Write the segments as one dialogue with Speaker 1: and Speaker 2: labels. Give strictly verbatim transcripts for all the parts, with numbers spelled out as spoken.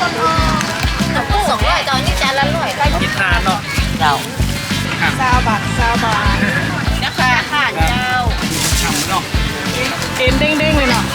Speaker 1: สองร้อยตอนนี้จานละร้อยได้
Speaker 2: กินทานเนาะ
Speaker 1: เจ้า
Speaker 3: ซาวบาทซาวบาท
Speaker 1: นะคะค่ะเจ้า
Speaker 2: ฉ่ำเนาะ
Speaker 3: เอ็นเด้งๆเลยเนาะ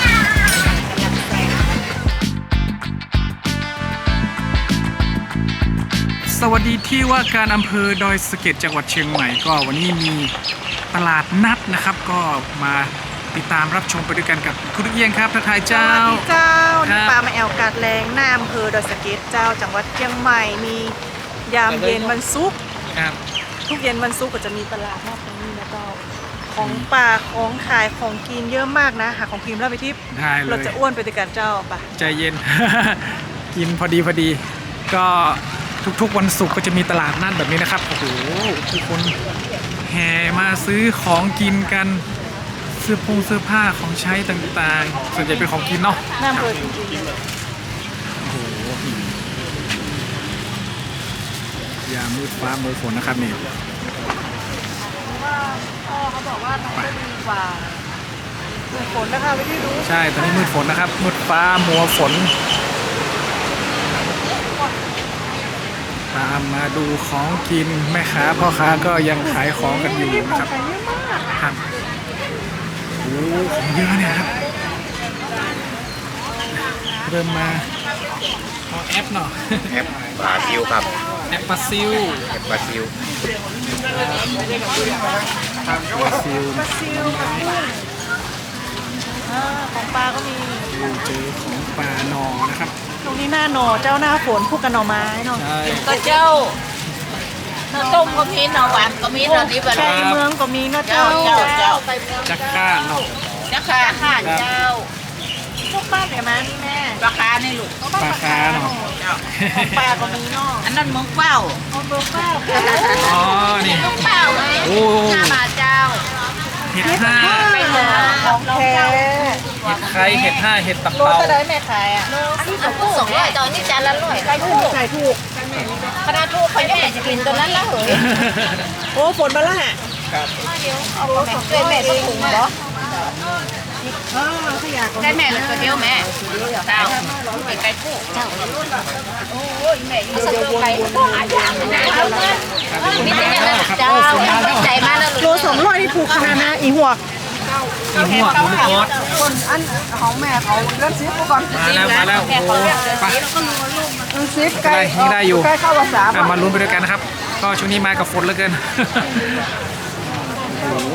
Speaker 2: สวัสดีที่ว่าการอำเภอดอยสะเก็ดจังหวัดเชียงใหม่ก็วันนี้มีตลาดนัดนะครับ ก็มาติดตามรับชมไปด้วยกันกับคุณลูกเอียงครับทักทายเจ้า
Speaker 3: เจ้า
Speaker 2: ครั
Speaker 3: นี่
Speaker 2: บ
Speaker 3: ปลามาแอลกาดแรงหน้าอำเภอดอยสะเก็ดเจ้าจังหวัดเชียงใหม่มียามเย็นวันศุกร์
Speaker 2: ครับ
Speaker 3: ทุกเย็นวันศุกร์ก็จะมีตลาดนัดตรงนี้นะเจ้าของป่าของขายของกินเยอะมากนะหาของกินแล้วไปทิพย์
Speaker 2: ได้เล
Speaker 3: เรา
Speaker 2: ย
Speaker 3: จะอ้วนไปด้วยกันเจ้าป่ะ
Speaker 2: ใจเย็น กินพอดีพอดี ก็ทุกๆวันศุกร์ก็จะมีตลาดนัดแบบนี้นะครับโอ้โหทุกคนแห่มาซื้อของกินกันเสื้อผงเสื้อผ้าของใช้ต่างๆส่วนใหญ่เป็นของกินเนาะ
Speaker 3: หน้าอำเภอจริง
Speaker 2: โอ้โหยามมืดฟ้ามืดฝนนะครับนี่
Speaker 3: ๆว่าพ่อเขาบอกว่ามันก็ดีกว่าเกิดฝนนะคะไปที่รู้
Speaker 2: ใช่ตอนนี้มืดฝนนะครับมืดฟ้ามัวฝนตามมาดูของกินแม่ค้าพ่อค้าก็ยังขายของกันอยู่
Speaker 3: ขอ
Speaker 2: นะ
Speaker 3: ง
Speaker 2: ครับ
Speaker 3: ขายเยอะมาก
Speaker 2: ครับโอ้ของเยอะเนี่ยครับเริ่มมาเอาแอปเนาะ
Speaker 4: แอปบราซิลครับ
Speaker 2: แอปปลาซิล
Speaker 4: แอปบราซิล
Speaker 2: ปลาซิล
Speaker 3: ปลาซิลอ่าของปลาก็มี
Speaker 2: เจอของปลาหนอนะครับ
Speaker 3: ตรงนี้หน้าหน่อเจ้าหน้าฝนคู่กับหน่อไม้เนาะ
Speaker 2: ใช่
Speaker 1: ก็เจ้าเนื้อต้มก็มีเนื้อหวานก็มีเนื้อดิบ
Speaker 3: ไก่เมืองก็มีเนาะเจ้า
Speaker 1: เจ้าเจ้า
Speaker 2: จักก้าเนาะ
Speaker 1: นะคะค่ะเจ้า
Speaker 3: พวกบ้านไหนมานี่แม่
Speaker 1: ราคาในลูก
Speaker 2: ปลาคาเนาะ
Speaker 3: ของปลาก็มีเนาะ
Speaker 1: อันนั้นเมืองเป้า
Speaker 3: ของเบอร์เก้า
Speaker 2: อ๋อนี่
Speaker 1: เมืองเป้าเลย
Speaker 2: โอ้
Speaker 1: ห้าบาทเจ้า
Speaker 2: เห็ดห้า
Speaker 1: ไปเถอะ
Speaker 3: ของแท้
Speaker 2: เห็ดไข่เห็ดห้าเห็ดตับ
Speaker 3: โล
Speaker 2: เต่า
Speaker 3: เท่าไรแม่ขายอ่ะ
Speaker 1: อันนี้สองร้อยตอนนี้จานละร้อย
Speaker 3: ขายถูกขายถูก
Speaker 1: คณะทูกเขายังไม่จะกินตัวนั้นละเหรอ
Speaker 3: โอ้ฝนมาแล้วฮะ
Speaker 2: ครับ
Speaker 1: เอาแม่เคยแม่ต้องถุงเหรอ
Speaker 3: อ๋อขยะก็
Speaker 1: ได้แม่เลยตัวเดียวแม่เจ้าไปไก่คู่เจ้าโอ้ยแม่อยู่เดียวไปหายากนะเอาเงินมีแต่เนี่ยเจ้าใจมากแล้ว
Speaker 3: โลสองร้อยนี่ถูกขนาดนะอีหัวก
Speaker 2: อีหัวหมูทอด
Speaker 3: คนอันของแม่เขาเริ่มซิปก่อน
Speaker 2: มาแล้วมาแล้วโอ้โหไป
Speaker 3: ซิป
Speaker 2: ได้นี่ได้อยู่
Speaker 3: ใกล้เข้าภาษา
Speaker 2: อ่ะมาลุ้นไปด้วยกันนะครับ ก็ช่วงนี้มากับฝนเหลือเกิน โอ้โห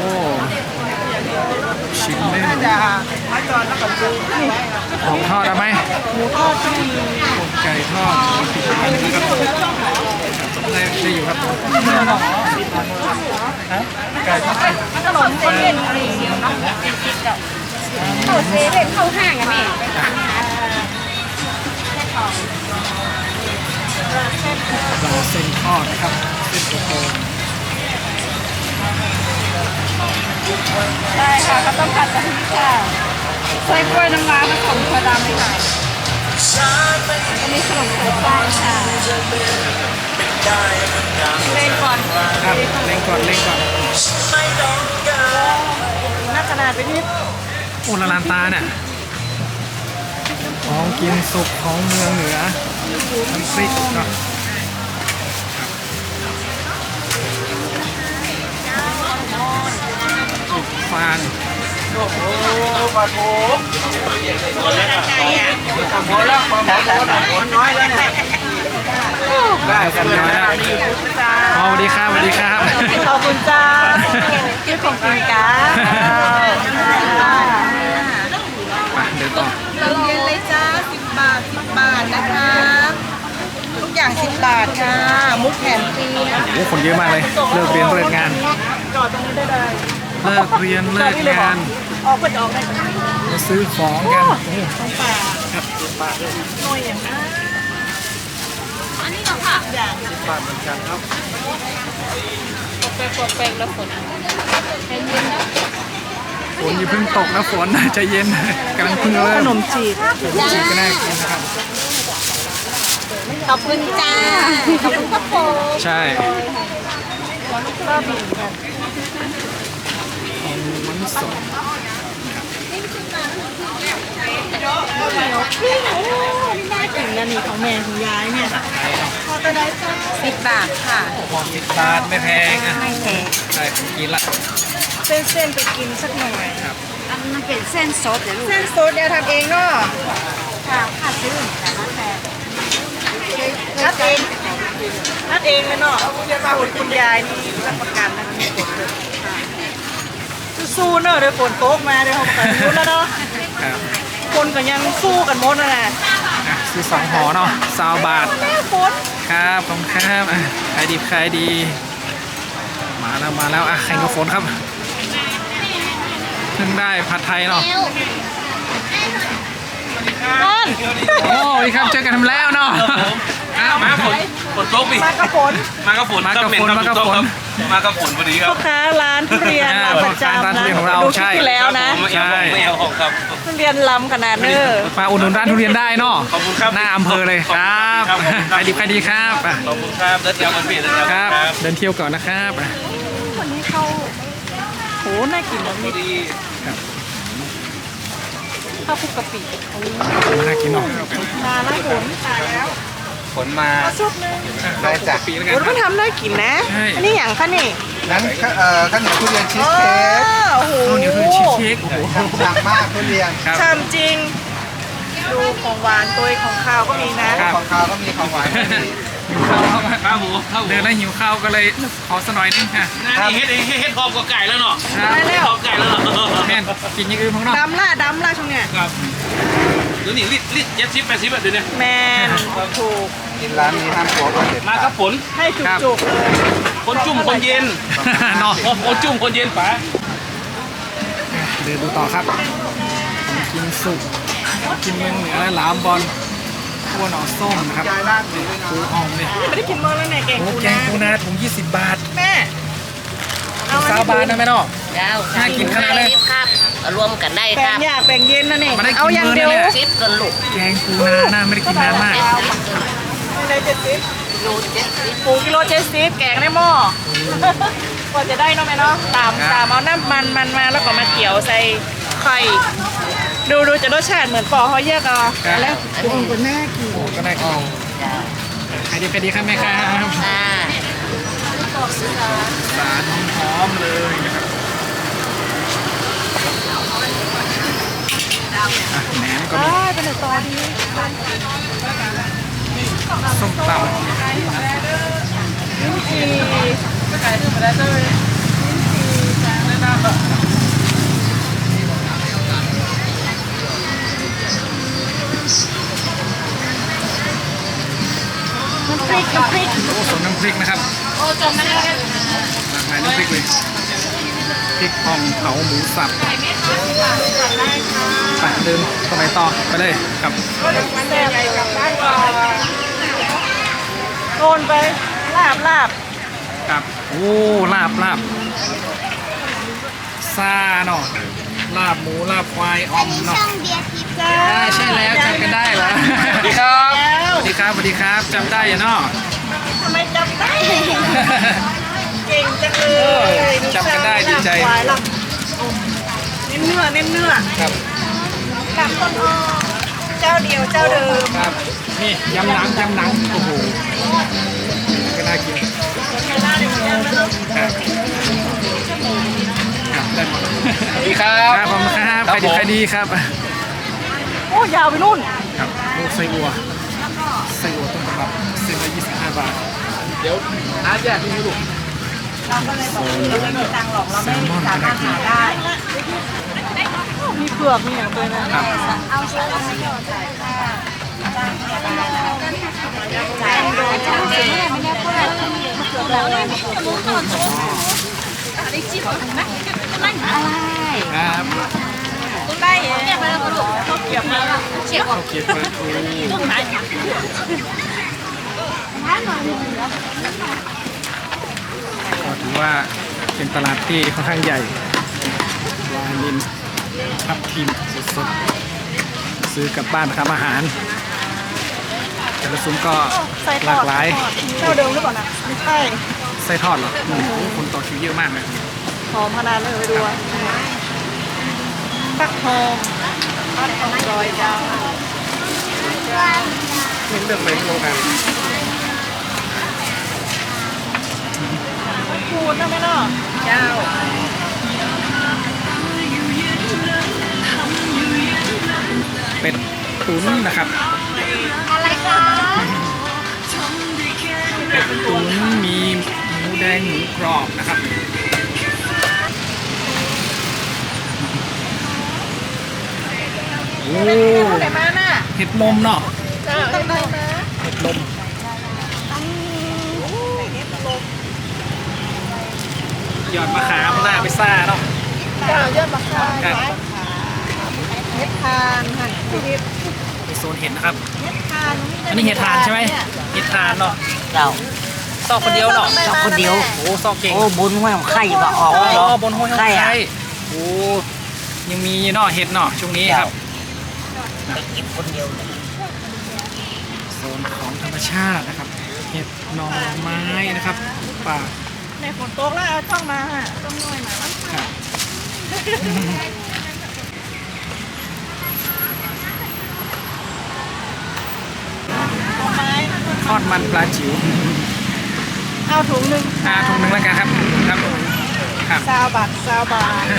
Speaker 2: ชิ้นเล่น
Speaker 3: จะมาจอดแล้วก็ดูนี่
Speaker 2: ของทอดเอาไหม
Speaker 3: หมูทอดที่มี
Speaker 2: ไก่ทอดติดมันนะครับได้ได้อยู่ครับฮะไก่ทอด
Speaker 3: ขนมเส้นอะไรอย่างเงี้ยเนาะ
Speaker 1: เข้าเซเว่นเข้าห้างอะแม่
Speaker 2: ปลาเส้นทอดนะครับเส้นโต
Speaker 3: ได้ค่ะก็ต้องผัดกะทิค่ะใส่กล้วยน้ำว้าผสมถั่วดำเลยค่ะก็มีขนมไข่ปลาค่ะเล่นก่อน
Speaker 2: ๆครับเล่งก่อนเล่งก่อน
Speaker 3: หน้าขนาดไปนิด
Speaker 2: โอ้ละลานตาเนี่ยของกินสุกของเมืองเหนือน้ำพริกเนาะครับฟาน
Speaker 4: โอ้ปลาโถโอ้แล้วปลาหมอตัวน้อยแล้วเนี่ย
Speaker 2: ได้กันน้อยแล้วอ๋อสวัสดีครับสวัสดีครับ
Speaker 3: ขอบคุณจ้าที่ของกินกัน
Speaker 2: ไปเดินต่อ
Speaker 3: เรียนเลยจ้าสิบบาทสิบบาทนะคะทุกอย่างสิบบาทค่ะมุกแถมฟรีนะ
Speaker 2: โอ้โหคนเยอะมากเลย เลิกเรียนเลิกงาน
Speaker 3: จอดตรงนี้ได้เลย
Speaker 2: เลิกเรียนเลิกงาน
Speaker 3: ออกเปิดออกได้ไหม
Speaker 2: มาซื้อของกันโอ้โห
Speaker 3: ของป่าหน่วยอย่างนั้น
Speaker 1: อันนี้ก็ค่ะ
Speaker 3: อย่าง
Speaker 4: บาทเหมือนกันครับ
Speaker 1: แปลกแปลกแล้วฝนใจเย็นนะ
Speaker 2: ฝนอย่าเพิ่งตกนะฝน ใจเย็นกำลังเพิ่งเริ่
Speaker 3: ข
Speaker 2: ม
Speaker 3: นมจีบ
Speaker 2: จีบก็น่ากินนะครับ
Speaker 1: ขอบคุณจ้าขอบคุณครับผม
Speaker 2: ใช่
Speaker 3: ก็บีบกัน
Speaker 2: ของมันสด
Speaker 3: น่ากินนะนี่ของแม่ของยายเนี่ยพอจะได้สิบบาทค่ะ
Speaker 2: หอมสิบบาทไม่แพงอ่ะ
Speaker 3: ไม่แพง
Speaker 2: ได้ของกินละ
Speaker 3: เส้นเส้นไปกินสักหน่อย
Speaker 2: ครับ
Speaker 1: อันมันเป็นเส้นสดเดี๋ยวลูก
Speaker 3: เส้นโซดเดี๋ยวทำเองเนาะ
Speaker 1: ค่ะค่าซื้อแต่ละแต่
Speaker 3: นัดเองนัดเองเลยเนาะคุณคุณยายนี่รับประกันนะคะสู้ๆเนอะเดี๋ยวฝนตกมาเดี๋ยวเขาประกันรู้แล้วเนาะ
Speaker 2: ครับ
Speaker 3: คนก็ยังสู้กันหมดนั่นแหละ
Speaker 2: อ่ะซื้อสองห่อเนาะสาวบาท
Speaker 3: แม่ฝน
Speaker 2: ครับขอบคุณครับอ่ะขายดีขายดี มาแล้วมาแล้วอ่ะแข่งกับฝนครับเพิ่งได้ผัดไทยเนาะ
Speaker 3: นั่น
Speaker 2: โอ้สวัสดีครับเจอกันทำแล้วเนาะอ้าว
Speaker 4: มาฝนฝนตกปี
Speaker 3: มากระฝน
Speaker 4: มากระฝน
Speaker 2: มากับฝน
Speaker 4: ครับ
Speaker 2: มากับฝน
Speaker 4: มากระฝนพอดีครั
Speaker 3: พ่
Speaker 4: บ
Speaker 3: อค้าร้านทุเรียนร้านประจำ
Speaker 2: ร้านทุ
Speaker 3: นะ
Speaker 2: เรียนของเรา
Speaker 3: ดูคลิ
Speaker 2: ใช่
Speaker 3: ปที่แล้วนะ
Speaker 4: ไม่เอาของไม่เอาของครับ
Speaker 3: ทุเรียนล้ำขนาดเนอ
Speaker 2: มาอุดหนุนร้านทุเรียนได้เนาะ
Speaker 4: ขอบคุณครับ
Speaker 2: หน้าอำเภอเลยครับ
Speaker 4: ขอบคุณครับ
Speaker 2: ขายดีขายดีครับอ่ะ
Speaker 4: ขอบคุณครับเดินเที่ยวกันพี่เดินเที่ยว
Speaker 2: ค
Speaker 4: กั
Speaker 2: รั
Speaker 4: น
Speaker 2: บ
Speaker 4: ครับ
Speaker 2: เดินเที่ยวก่อนนะครับอ่ะ
Speaker 3: วันนี้เขาโหน่ากินนะ
Speaker 4: พ
Speaker 3: มี
Speaker 4: อดี
Speaker 3: ข้าวคลุกกะปิโอ้
Speaker 2: น่ากินเนาะ
Speaker 3: มาแล้วฝนตายแล้ว
Speaker 4: ฝนมา
Speaker 3: เอาซุปหนึง
Speaker 4: ได้จ้ะ
Speaker 2: ปีแล้ว
Speaker 3: ฝ
Speaker 2: กัน
Speaker 3: นก็ทำน่ากินนะ อันนี้อย่างคะนี่
Speaker 5: นั้นเอ่อข้าวเหนียวทุเรียนชีส
Speaker 3: อ๋อ
Speaker 5: เค้ก
Speaker 3: โอ้โห
Speaker 2: ข้าวเหนียวทุเรียนชีสเค้กโอ้โห
Speaker 5: ฉ่ำมากทุเรียน
Speaker 2: ครับ
Speaker 3: ชามจริง ดูของหวานตัวของข้าวก็มีนะ
Speaker 2: ครับ
Speaker 5: ของคาวก็มีของหวานก็มี
Speaker 2: หิวข้าวครับ
Speaker 4: ข้าวหมูข้าวหมู
Speaker 2: เดินแล้วหิวข้าวก็เลยขอสักหน่อยนึงค่ะ
Speaker 4: นี่เฮ็ดเฮ็ดเฮ็ดพร้อมกับไก่แล้วเนาะ
Speaker 2: ครับ
Speaker 3: ได้แล้ว
Speaker 4: พร้อมไก่แล้วเนาะ
Speaker 2: แม่นกินอย่างอื่นของเรา
Speaker 3: ดำล่ะดำล่ะช่วงเนี้ย
Speaker 4: ครับเดี๋ยวนี้ลิตรลิตรเจ็ดสิบแปดสิบแบบเดี๋ยวนี้
Speaker 3: แมนถูก
Speaker 5: กินร้านนี้ห้ามกลัวว่าเด็ด
Speaker 4: มากับฝน
Speaker 3: ให้จุกๆเลย
Speaker 4: คนจุ่มคนเย็น
Speaker 2: เนาะ
Speaker 4: คนจุ่มคนเย็นป๋า
Speaker 2: เดินดูต่อครับของกินสุกของกินเมืองเหนือหลามบอลขั้วหน่อส้มนะครับ
Speaker 5: ยายร้านนี้ด้วยนะ
Speaker 2: ปูอ่อมเนี่ย
Speaker 3: ไม่ได้กินเมื่อแล้วเนี่ยแกง
Speaker 2: โอ้
Speaker 3: ปู
Speaker 2: แกง
Speaker 3: นา
Speaker 2: ปูนาถุงยี่สิบบาท
Speaker 3: แม่เอาอัน
Speaker 2: สาว
Speaker 3: นี้
Speaker 2: บาทนะแม่เนาะ
Speaker 1: เจ้า
Speaker 2: น่ากินขนาดเลย
Speaker 1: ครับรวมกันได้
Speaker 3: แบ่
Speaker 1: ค
Speaker 3: ง
Speaker 1: รับ
Speaker 3: อยากแบ่งเย็นนะนี่
Speaker 2: มาได้กิน
Speaker 3: เอาอย่างเดียว
Speaker 2: มื้อนั่นแหละ
Speaker 1: ชิปกันลูก
Speaker 2: แกงปูนาน่าไม่ได้กินนานมาก
Speaker 3: ไม่ได้เจ็ดสิบ
Speaker 1: โลเจ็ดสิบ
Speaker 3: ปูกิโลเจ็ดสิบแกงในหม้อกว่าจะได้เนาะแม่เนาะตามตามเอาน้ำมันมันมาแล้วก็มาเกี่ยวใส่ไข่ดูดูจะรสชาติเหมือนปอเขาแยกเอาแล้ว
Speaker 1: อันนี้
Speaker 3: คนน่ากิน
Speaker 2: โอ้ก็ได้กินขายดีขายดีครับแม่ครับ
Speaker 1: อ่า
Speaker 2: สารหอมเลยนะครับอ่ะแหนมก็มี
Speaker 3: ได้เป็นตอนดี
Speaker 2: ส้มตำ
Speaker 3: ทีน้ำพริกน้ำพริก
Speaker 2: โอ้สมน้ำพริกนะครับ
Speaker 3: โอ้จมไม่ได้
Speaker 2: หลากหลายน้ำพริกเลยพริกอ่องเผาหมูสับไปเดินตรงไหนต่อไปเลยครับ
Speaker 3: แซ่บกลับบ้านก่อนโกนไปลาบลาบ
Speaker 2: ครับโอ้ลาบลาบซาเนาะลาบหมูลาบควายอ่อมเนาะ
Speaker 3: จ้า
Speaker 2: อ่าใช่แล้วจำกันได้เหรอสวัสดีครับสวัสดีครับสวัสดีครับจำได้อย่าเนาะ
Speaker 3: ทำไมจำได้ เก่งจังเลย
Speaker 2: จำกันได้ดีใจ
Speaker 3: ลาบควายลาบเน้นเนื้อเน้นเนื้อ
Speaker 2: ครับ
Speaker 3: ลาบต้นอ้อเจ้าเดียวเจ้าเดิม
Speaker 2: ครับนี่ยำหนังยำหนังโอ้โหก็น่ากิน
Speaker 3: ลาบเดียวกันแล้ว
Speaker 2: ครับครับได้หมด
Speaker 4: สวัสดีครับ
Speaker 2: ครับผมครับใครดีใครดีครับ
Speaker 3: โอ้ยาวไปนู่น
Speaker 2: ครับลูกไส้อัวไส้อัวต้นตำรับเส้นละยี่สิบห้าบาท
Speaker 4: เดี๋ยวอาแยกที่นี่ลูก
Speaker 3: เราก็เลยบอกเราไม่มีตังค์หรอกเราไม่สามารถหาได้ มีเผือกมีอย่างตัวนะครับ เอาเชื้อมาให้ก่อนค่ะจ่ายโดนจ่ายเองไม่ได้พูดอะไรเผือกเราเลย
Speaker 1: อะไร
Speaker 2: ครับ
Speaker 3: ได้เนี่ยมาแล้วก็ลูกเขาเก็บมาแล้ว
Speaker 1: เชี่ยว
Speaker 2: ข้าวเกรี๊ยวปลาทู
Speaker 1: ตรงไหน
Speaker 2: ก็ถือว่าเป็นตลาดที่ค่อนข้างใหญ่วานินทับทิมสดๆซื้อกลับบ้านทำอาหารแต่ละซุ้มก็หลากหลาย
Speaker 3: เจ้าเดิมหรือเปล่านะไม่ใช่
Speaker 2: ไส้ทอดเหรออืมคนต่อคิวเยอะมากเลย
Speaker 3: หอมขนาดเลยไปดูฟักทองออดของดอยเจ้า
Speaker 2: นี่เลือกไปโรงงาน
Speaker 3: คูณนะแม่เนาะเจ้า
Speaker 2: เป็ดตุ๋นนะครับ
Speaker 1: อะไรคะ
Speaker 2: เป็ดตุ๋นมีหมูแดงหมูกรอบนะครับโอ้
Speaker 3: ไหนมาน่ะ
Speaker 2: เห็ดลมเนาะ
Speaker 3: เจ้าเห็นไหมนะ
Speaker 2: เห็ดลมหยอดมะขามหน้าไปซ่าเนาะ
Speaker 3: เจ้ายอดมะขาม
Speaker 2: ครับ
Speaker 3: เห็ดทานค่ะพี่ทิพย์
Speaker 2: ในโซนเห็ดนะครับ
Speaker 3: เห็ดทาน
Speaker 2: อันนี้เห็ดทานใช่ไหมเห็ดทานเนาะ
Speaker 6: เจ้า
Speaker 2: ซอกคนเดียวเนาะ
Speaker 6: เจ้าคนเดียว
Speaker 2: โอ้ซอกเก่ง
Speaker 6: โอ้บุญห้วยของไข่ก็ออก
Speaker 2: อ๋
Speaker 6: แล้ว
Speaker 2: อบนห้วยห้อง
Speaker 6: ไข่
Speaker 2: ไข่
Speaker 6: อะ
Speaker 2: โอ้ยังมีเนาะเห็ดเนาะช่วงนี้ครับ
Speaker 6: ไปเก็บคนเดียว
Speaker 2: โซนของธรรมชาตินะครับ เห็ดหน่อไม้นะครับป่า
Speaker 3: ในฝนตกแล้วเอาช่องมาฮะต้องน้อยหน่อยมั้ง
Speaker 2: ครับ
Speaker 3: ไม้
Speaker 2: ทอดมันปลาจิ๋ว
Speaker 3: เอาถุงหนึ่ง
Speaker 2: อ่าถุงหนึงแล้วกันครับครับครับ
Speaker 3: ซาวบาทซาวบาท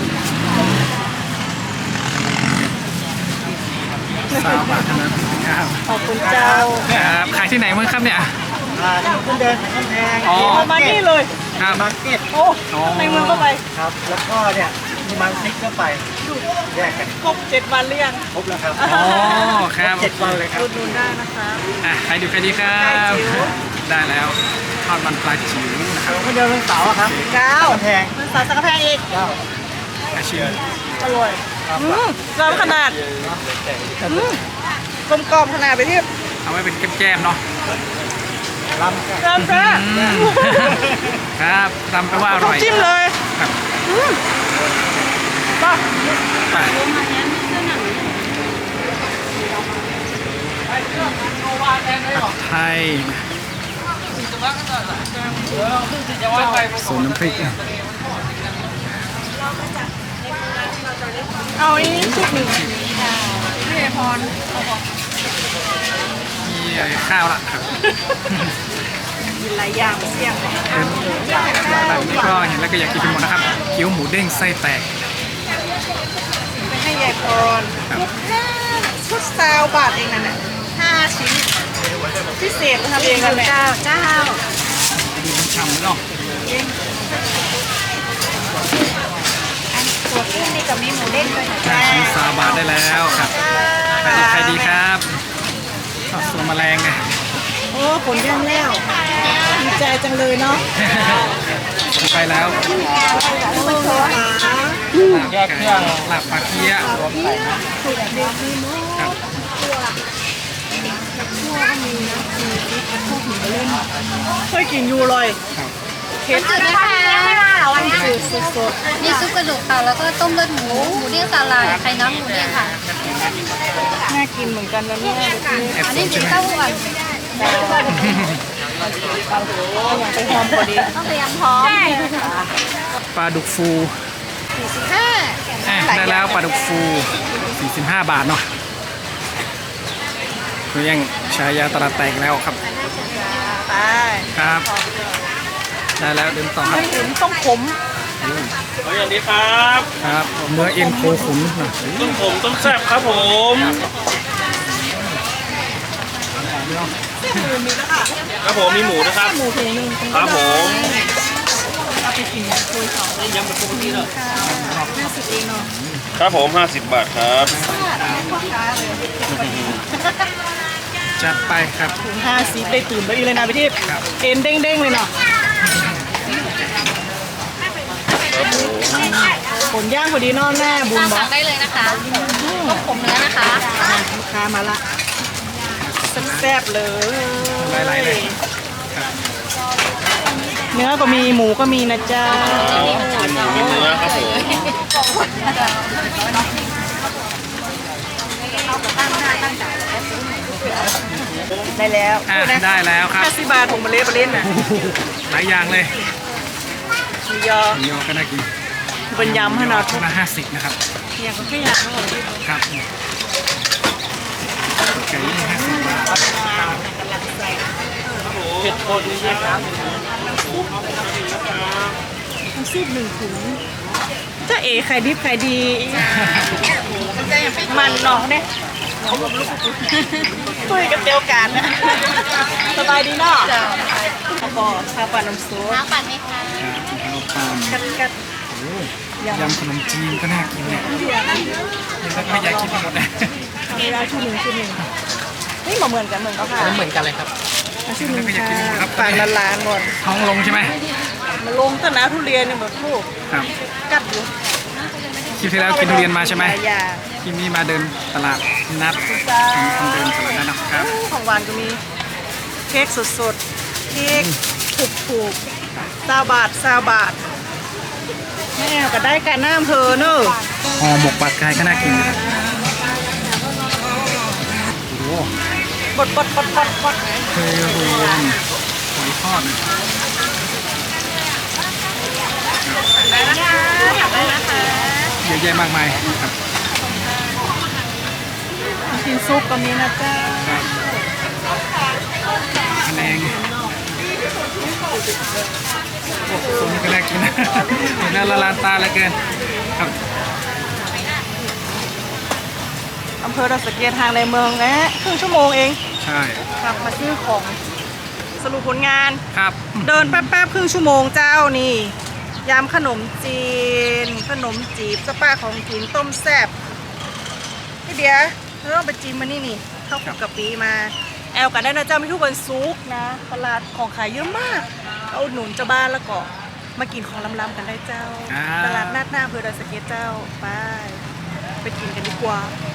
Speaker 2: สามบาทเท่านั้นครับ
Speaker 3: ขอบคุณเจ้า
Speaker 2: ครับขายที่ไหนมั้งครับเนี่ย
Speaker 5: อ่าคุณเดินกำแพง
Speaker 2: อ๋อ
Speaker 3: เอามานี่เลย
Speaker 2: ครับ
Speaker 5: มาร์เก็ต
Speaker 3: โอ้ในเมืองก็ไป
Speaker 5: ครับ แล้วก็เนี่ยมีมันซิกก็ไปแยกกัน
Speaker 3: ครบเจ็ดวันหรือยัง
Speaker 5: ครบแล้วครับ
Speaker 2: อ๋อครับ
Speaker 5: เจ็ดวันเลยครับ
Speaker 3: อุดหนุนได้นะคะ
Speaker 2: อ่ะใครดูใครดีครับ ได้แล้วทอดมันปลาจิ๋วนะครับ
Speaker 5: คนเดินเป็นเสาอะครับ
Speaker 3: เก้าก
Speaker 5: ำแพง
Speaker 3: มันสาวสักกระแพงอีก
Speaker 5: เก้า
Speaker 2: อาชิม
Speaker 3: อร่อยอืมร้อนขนาดอืมกลมกล่อมขนาดไปที่
Speaker 2: เอาไว้เป็นแก้มๆเนาะ
Speaker 5: ลำกัน
Speaker 3: เริ่มจ้า
Speaker 2: อืมครับทำไปว่าอร่อย
Speaker 3: จิ้มเลย
Speaker 2: ครับ
Speaker 3: อืมป่ะ
Speaker 2: ไปผัดไทยสูตรน้ำพริก
Speaker 3: เอาอันนี้ชุดหนึ่งพี่พร
Speaker 2: มีข้าวละครับ
Speaker 3: กินหลายอย่างเสี่ยงเลย
Speaker 2: แบบนี้ก็เห็นแล้วก็อยากกินไปหมดนะครับเกี๊ยวหมูเด้งไส้แตก
Speaker 3: ไปให้ยายพร
Speaker 2: ครับ
Speaker 3: ชุดห้าชุดซาวบาทเองนั่นแหละห้าชิ้นพิเศษทำเองกันแหละเจ้าเจ้า
Speaker 2: ดูมันฉ่ำเนาะ
Speaker 1: ตัวขึ้นนี่กับมีหมูเด้งด้วยนะ
Speaker 2: ห้าชิ้นสามบาทได้แล้วครับใครดีใครดีครับทอดส่วนแมลงไง
Speaker 3: โอ้ผลย่างแล้วดีใจจังเลยเนาะ
Speaker 2: ไปแล้ว
Speaker 3: มันโทรหา
Speaker 2: แยกเครื่องหลับปลาเคี้ยครับ
Speaker 3: เคยกินยูเลย
Speaker 2: ครับ
Speaker 3: เค็ด
Speaker 1: จืดนะคะไม่ว่าหรอวันนี้
Speaker 3: สุดสด
Speaker 1: มีซุปกระดูกค่ะแล้วก็ต้มเลือดหมูหมูเด้งสาลายไข่น้ำหมูเด้งค่ะ
Speaker 3: น่ากินเหมือนกันนะเนี่ย
Speaker 2: แอบ
Speaker 1: อัน
Speaker 2: สู
Speaker 1: นี้
Speaker 2: ง
Speaker 1: กิ
Speaker 2: ใช่
Speaker 1: น
Speaker 2: ไหม
Speaker 1: เต้าหู้ก่อน
Speaker 3: อย่างไปหอมพอดี
Speaker 1: ต้องพยายามพร้อม
Speaker 2: ปลาดุกฟู
Speaker 1: ห้า
Speaker 2: อ่ะได้แล้วปลาดุกฟูสี่สิบห้าบาทเนาะคุยังชายาตลาดแตกแล้วครับ
Speaker 3: ไป
Speaker 2: ครับ ได้แล้วเดินต่อครับ
Speaker 3: ไม่ถึงต้องขม
Speaker 4: เอาอย่างนี้ครับ
Speaker 2: ครับเนื้อเอ็นโคขุนนะ
Speaker 4: ต้มผมต้มแซ่บครับผม ครับผมมีหมูนะครับ
Speaker 3: หมูถุงหนึ่ง
Speaker 4: ครับผม
Speaker 3: เอาไปกินคุยสอง
Speaker 4: ยำเป็นปกติเลย
Speaker 3: ห้าสิบเองเนาะ
Speaker 4: ครับผมห้าสิบบาทครับ
Speaker 2: จัดไปครับ
Speaker 3: ถุงห้าสิบได้ตื่นไปอีกเลยนะพี่ทิพย์
Speaker 2: ครับ
Speaker 3: เอ็นเด้งๆเลยเนาะ
Speaker 4: ครับผม
Speaker 3: ผลย่างพอดีเนอนหน้าบุญบอ
Speaker 1: สั่
Speaker 3: ก
Speaker 1: งได้เลยนะคะต้มผมเนื้อนะคะ
Speaker 3: ลูกค้ามาละแซ่บๆเลย
Speaker 2: หลายๆเลยครับ
Speaker 3: เนื้อก็มีหมูก็มีนะจ๊ะ
Speaker 4: มีหมูมีเนื้อครับผม
Speaker 3: ได้แล้ว
Speaker 2: อ่ะได้แล้วครับ
Speaker 3: ห้าสิบบาทผมมาเล่มาเล่นน่ะ
Speaker 2: หลายอย่างเลย
Speaker 3: มียอ
Speaker 2: หมูยอก็น่ากิน
Speaker 3: มเป็นยำให้เราทุก
Speaker 2: ละห้าสิบนะครับ
Speaker 3: อย่างก็แค่อยากอร่อย
Speaker 2: ครับไก่ยี่ห้าสิบบาท
Speaker 5: เผ็ดคนเยอะครับ
Speaker 3: น้ำซุปหนึ่งถุงจ้าเอ๋ไข่ดิบไข่ดีมันเนาะเนี่ยคุยกับเตียวกันนะสบายดีเนาะข้าวปอข้าวปลาน้ำซุป
Speaker 1: น้ำปั่นไหมคะ
Speaker 2: ข้าวปลา
Speaker 3: กัดกัด
Speaker 2: โอ้ยำขนมจีนก็น่ากินเนี่ยแล้วก็ไม่อยากกินหมดนะ
Speaker 3: มีร้านชุดหนึ่งชุดหนึ่งนี่เหมือนกันเหมือนกันค่ะ
Speaker 5: เหมือนกันเลยครับ
Speaker 3: ชุดหนึ่งค่ะฝากล้านๆก่อน
Speaker 2: ท้องลงใช่ไหม
Speaker 3: มาลงต้นน้ำทุเรียนเนี่ยหมดลูก
Speaker 2: ครับ
Speaker 3: กัดอยู่
Speaker 2: คลิปที่แล้วกินทุเรียนมาใช่ไหม
Speaker 3: ลายอย่าง
Speaker 2: คลิปนี้มาเดินตลาดนัด
Speaker 3: จ้า
Speaker 2: คนเดินตลาดนัดนะครับ
Speaker 3: ของหวานก็มีเค้กสดๆเค้กถูกๆซาบาทซาบาทแม่ก็ได้การน้ำเธอเนอะ
Speaker 2: ห่อหมกปลากายก็น่ากินอยู่นะโอ้โห
Speaker 3: บดบดบดบดบด
Speaker 2: เคยรวมหอยทอดนะ
Speaker 3: ได้นะคะได้นะคะ
Speaker 2: เยอะแยะมากมายครับ
Speaker 3: กินซุปก็มีนะจ๊ะ
Speaker 2: ครับคะแนนโอ้โหตัวนี้ก็น่ากินนะเห็นแล้วละลานตาเหลือเกินครับ
Speaker 3: อำเภอดอยสะเก็ดทางในเมืองแนะครึ่งชั่วโมงเอง
Speaker 2: ใช่
Speaker 3: กลับมาซื้อของสรุปผลงาน
Speaker 2: ครับ
Speaker 3: เดินแป๊บๆครึ่งชั่วโมงเจ้านี่ยำขนมจีน ขนมจีบสปาของกินต้มแซ่บพี่เดียเราต้องไปจีนมานี่นี่เข้าวคลุกกะปิมา แอลกันได้นะเจ้ามีทุกวันซุกร์นะตลาดของขายเยอะมากเอาอุดหนุนเจ้าบ้านแล้วก็มากินของล้ำๆกันได้เจ้า ตลาดนัดหน้าอำเภอดอยสะเก็ดเจ้าไปไปกินกันดีกว่า
Speaker 2: ค